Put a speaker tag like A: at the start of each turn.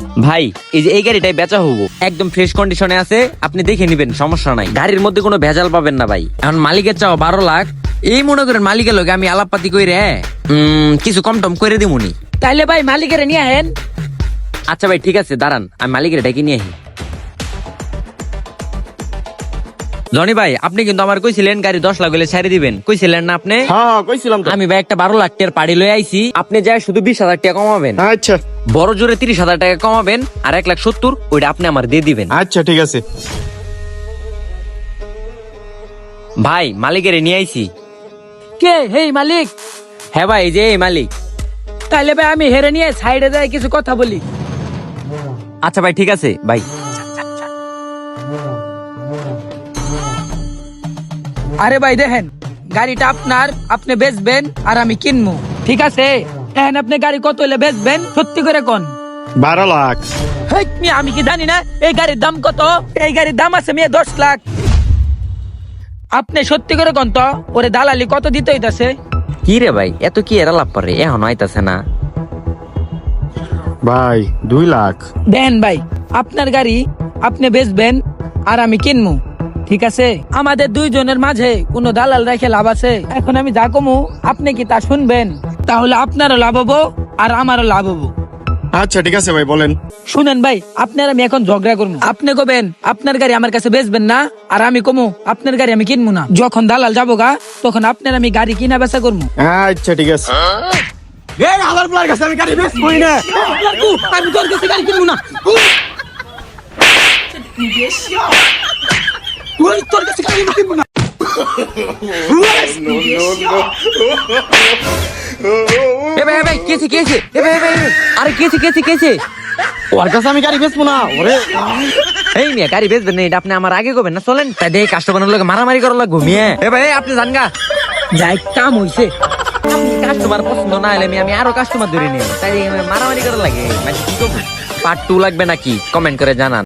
A: ভাই এই যে এই গাড়িটাই বেচা হবো, একদম ফ্রেশ কন্ডিশনে আছে, আপনি দেখে নিবেন, সমস্যা নাই। গাড়ির মধ্যে কোনো ভেজাল পাবেন না ভাই। এখন মালিকের চাও 12 লাখ, এই মনে করেন মালিকের লগে আমি আলাপপাতি কইরে কিছু কম টম করে দিমুনি।
B: তাইলে ভাই মালিকের নিয়ে আহেন।
A: আচ্ছা ভাই ঠিক আছে, দাঁড়ান আমি মালিকের ডেকে নিয়ে আহি। জনি ভাই, আপনি কিন্তু আমার কইছিলেন গাড়ি 10 লাখ হলে ছেড়ে দিবেন, কইছিলেন না আপনি?
C: হ্যাঁ কইছিলাম তো।
A: আমি ভাই একটা 12 লাখ টাকার পাড়ি লয়ে আইছি, আপনি যায় শুধু 20,000 টাকা কমাবেন।
C: আচ্ছা
A: বড় জোরে 30,000 টাকা কমাবেন, আর 1,70,000 ওইটা আপনি আমার দিয়ে দিবেন।
C: আচ্ছা ঠিক আছে।
A: ভাই মালিকের নিয়ে আইছি।
B: কে হেই মালিক?
A: হ্যাঁ ভাই, এই যে এই মালিক।
B: তাইলে ভাই আমি হেরে নিয়ে সাইডে যাই কিছু কথা বলি।
A: আচ্ছা ভাই ঠিক আছে ভাই।
B: আরে ভাই দেখেন, গাড়িটা আপনার, আপনি বেচবেন আর আমি কিনবো, ঠিক আছে? এখন আপনি গাড়ি কত হলে বেচবেন সত্যি করে কোন?
C: 12 লাখ।
B: হেই, মিয়া, আমি কি জানি না এই গাড়ির দাম কত? এই গাড়ির দাম আছে মিয়া 10 লাখ। আপনি সত্যি করে কোন তো, ওরে দালালি কত দিতে হইতাছে?
A: কি রে ভাই, এত কি এরা লাভ পারে, এখন আইতাছে না।
C: ভাই 2 লাখ।
B: দেন ভাই, আপনার গাড়ি আপনি বেচবেন আর আমি কিনবো, ঠিক আছে? আমাদের দুইজনের মাঝে কোনো দালাল রেখে লাভ আছে? এখন আমি যা কমু আপনি কি তা শুনবেন? তাহলে আপনারও লাভ হবো আর আমারও লাভ হবো।
C: আচ্ছা ঠিক আছে ভাই বলেন।
B: শুনেন ভাই, আপনার আমি এখন ঝগড়া করবো। আপনি কবেন আপনার গাড়ি আমার কাছে বেচবেন না, আর আমি কমু আপনার গাড়ি আমি কিনবো না। যখন দালাল যাবো গা, তখন আপনার আমি গাড়ি কিনা বেচা করবো।
C: আচ্ছা ঠিক আছে। এই হালার প্লার কাছে আমি গাড়ি বেচবই না।
B: আমি তোর কাছে গাড়ি কিনবো না। তোর কাছে গাড়ি কিনবো না।
A: এ ভাই, এ ভাই, কেছে কেছে, এ ভাই, এ ভাই, আরে কেছে কেছে কেছে।
C: ওর কাছে আমি গাড়ি বেচবো না। ওরে
A: এই মিয়া গাড়ি বেচবেন না, এটা আপনি আমার আগে কবেন না, চলেন। তাই দেখে কাস্টমারের লোক মারামারি করার লাগবো মিয়া। এ ভাই, আপনি জান গা।
B: যাই কাম হইছে।
A: কাস্টমার পছন্দ না হলে আমি আরো কাস্টমার ধরে নিব, তাই মারামারি করার লাগে। মানে কি করবো? পার্ট 2 লাগবে নাকি কমেন্ট করে জানান।